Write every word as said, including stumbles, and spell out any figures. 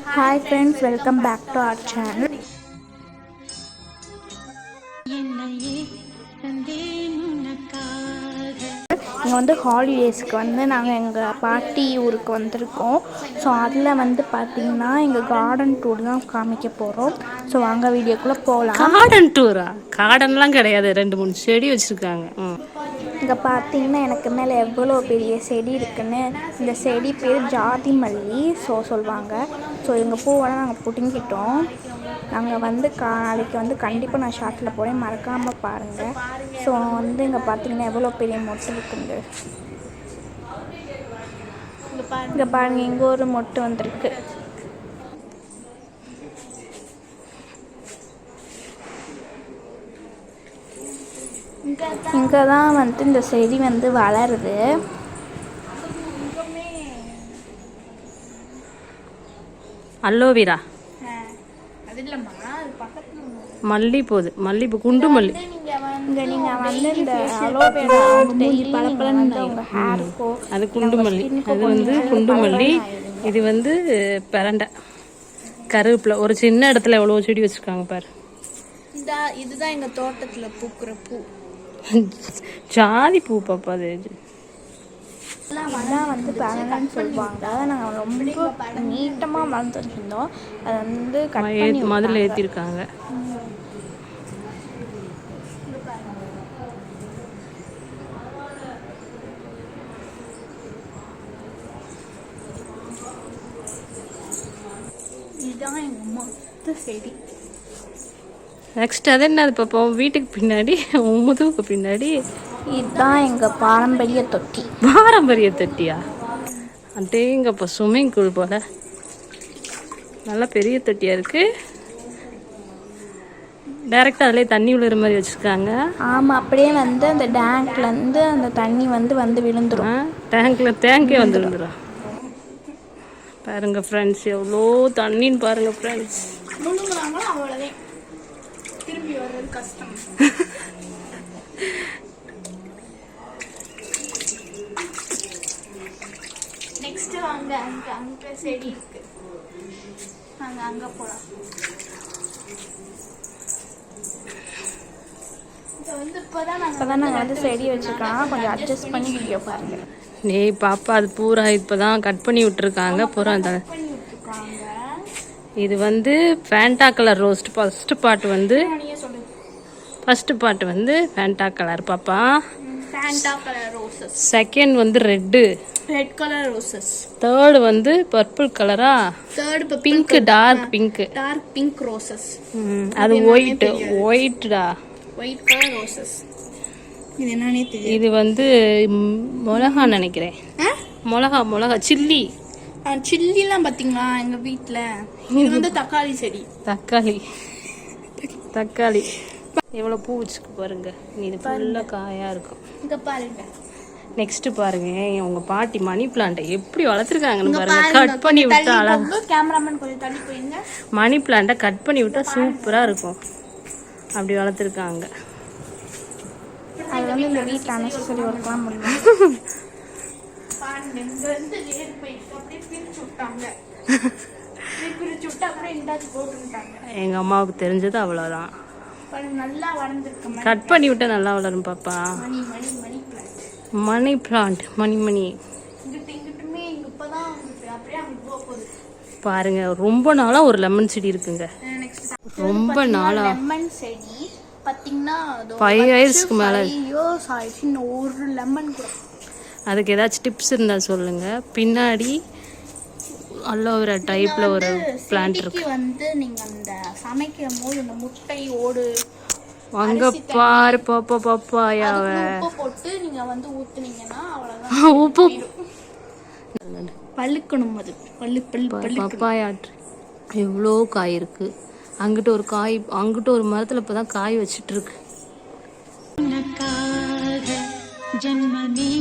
Hi friends, welcome back to our channel. இங்கே வந்து ஹாலிடேஸ்க்கு வந்து நாங்கள் எங்கள் பாட்டி ஊருக்கு வந்திருக்கோம். ஸோ அதில் வந்து பார்த்திங்கன்னா எங்கள் கார்டன் டூர் தான் காமிக்க போகிறோம். ஸோ வாங்க வீடியோக்குள்ளே போகலாம். கார்டன் டூரா? கார்டன்லாம் கிடையாது, ரெண்டு மூணு செடி வச்சுருக்காங்க. இங்கே பார்த்தீங்கன்னா எனக்கு மேலே எவ்வளோ பெரிய செடி இருக்குன்னு. இந்த செடி பேர் ஜாதி மல்லி ஸோ சொல்லுவாங்க. ஸோ எங்கள் பூவெல்லாம் நாங்கள் பிடுங்கிட்டோம். நாங்கள் வந்து கா நாளைக்கு வந்து கண்டிப்பாக நான் ஷார்ட்டில் போகிறேன், மறக்காமல் பாருங்கள். ஸோ வந்து இங்கே பார்த்தீங்கன்னா எவ்வளோ பெரிய மொட்டு இருக்குங்க. இங்கே பாருங்கள், இங்கே ஒரு மொட்டு வந்திருக்கு. இங்கே தான் வந்து இந்த செடி வந்து வளருது. அல்லோவேரா மல்லி போகுது, மல்லிப்பூ, குண்டு மல்லி. இங்கே நீங்கள் வந்து இந்த அலோவேரா பழப்பழன்னு உங்கள் ஹேருக்கோ, அது குண்டு மல்லி, அது வந்து குண்டு மல்லி. இது வந்து பிரண்டை, கருவேப்பிலை. ஒரு சின்ன இடத்துல எவ்வளோ செடி வச்சுருக்காங்க பாரு. இதுதான் எங்கள் தோட்டத்தில் பூக்கிற பூ, ஜாதி பூ. பாப்பா அது அதான் வந்து பரண்டன்னு சொல்லுவாங்க. அதை நாங்கள் ரொம்ப நீட்டமாக வளர்த்து வச்சுருந்தோம். அதை வந்து கட் மதுல ஏற்றிருக்காங்க. இதுதான் எங்கள் மொத்த செடி. நெக்ஸ்ட் அது என்ன பார்ப்போம். வீட்டுக்கு பின்னாடி முதுகுக்கு பின்னாடி இதுதான் எங்கள் பாரம்பரிய தொட்டி. பாரம்பரிய தொட்டியா? அட்டேங்கப்பா, ஸ்விம்மிங் பூல் போல நல்லா பெரிய தொட்டியா இருக்கு. டைரக்டா அதிலே தண்ணி விழுற மாதிரி வச்சிருக்காங்க. ஆமாம், அப்படியே வந்து அந்த டேங்க்லேருந்து அந்த தண்ணி வந்து வந்து விழுந்துடும். டேங்க்ல டேங்கே வந்து விழுந்துடும். பாருங்க ஃப்ரெண்ட்ஸ், எவ்வளோ தண்ணின்னு பாருங்க ஃப்ரெண்ட்ஸ். அவ்வளோதான், திரும்பி வர்றது கஷ்டம். நெக்ஸ்ட் வாங்க, அங்க அங்க செடி இருக்கு, நாங்க அங்க போலாம். இது வந்து இப்பதான் நாங்க இப்பதான் நாங்க வந்து செடி வச்சிருக்கோம். கொஞ்சம் அட்ஜஸ்ட் பண்ணி வீடியோ பாருங்க. நீ பாப்பா, அது பூரா இப்பதான் கட் பண்ணி விட்டுருக்காங்க. பூரா இது வந்து ஃபேண்டா கலர் ரோஸ்ட். ஃபர்ஸ்ட் பார்ட் வந்து ஃபர்ஸ்ட் பார்ட் வந்து ஃபேண்டா கலர் பாப்பா. Fanta colour roses. செகண்ட் வந்து red red colour roses. Third வந்து பர்பிள் கலரா? Third pink, dark pink. Dark pink roses. அது ஒயிட் ஒயிட்டா? White colour roses. இது என்னன்னே தெரியல. இது வந்து மிளகா நினைக்கிறேன். மிளகா மிளகா சில்லி. சில்லிலாம் பார்த்தீங்களா எங்கள் வீட்டில். இது வந்து தக்காளி செடி. தக்காளி தக்காளி எவ்வளோ பூ வச்சுக்கு பாருங்க. இது ஃபுல்லாக காயாக இருக்கும். இங்கே பாருங்க. நெக்ஸ்ட் பாருங்க, உங்க பாட்டி மணி பிளான்ட்டை எப்படி வளர்த்துருக்காங்கன்னு பாருங்க. கட் பண்ணி விட்டா அழகா. கேமராமேன் கொஞ்சம் தள்ளி போயிங்க. மணி பிளான்ட்டை கட் பண்ணி விட்டா சூப்பராக இருக்கும். அப்படி வளர்த்துருக்காங்க. அது வந்து இந்த வீட்டில் அனசரி ஒர்க்லாம் முடியும். எங்க அம்மாவுக்கு தெரிஞ்சது அவ்வளோதான். நல்லா வளர்ந்துருக்கு. கட் பண்ணி விட்டா நல்லா வளரும் பாப்பா. மணி பிளான்ட், மணி மணி பாருங்க. ரொம்ப நாளா ஒரு லெமன் செடி இருக்குங்க. ரொம்ப நாளா லெமன் செடி பாத்தீங்கன்னா ஃபைவ் இயர்ஸ்க்கு மேல ஒரு லெமன் கூட. அதுக்கு ஏதாச்சும் டிப்ஸ் இருந்தா சொல்லுங்க. பின்னாடி அலோவேரா டைப்ல ஒரு பிளான்ட் இருக்கு. வந்து நீங்க அந்த சமைக்கும் போது இந்த முட்டை ஓடு அங்க பாரு பாப்பா பாப்பாயாவ உப்பு போட்டு நீங்க வந்து ஊத்துனீங்கன்னா அவ்வளவுதான். உப்பு பழுக்கணும். அது பல்லு பல்லு பப்பாயா எவ்வளோ காய் இருக்கு. அங்கிட்ட ஒரு காய், அங்கிட்ட ஒரு மரத்துல இப்பதான் காய் வச்சிட்டு இருக்கு. ஜன்மமே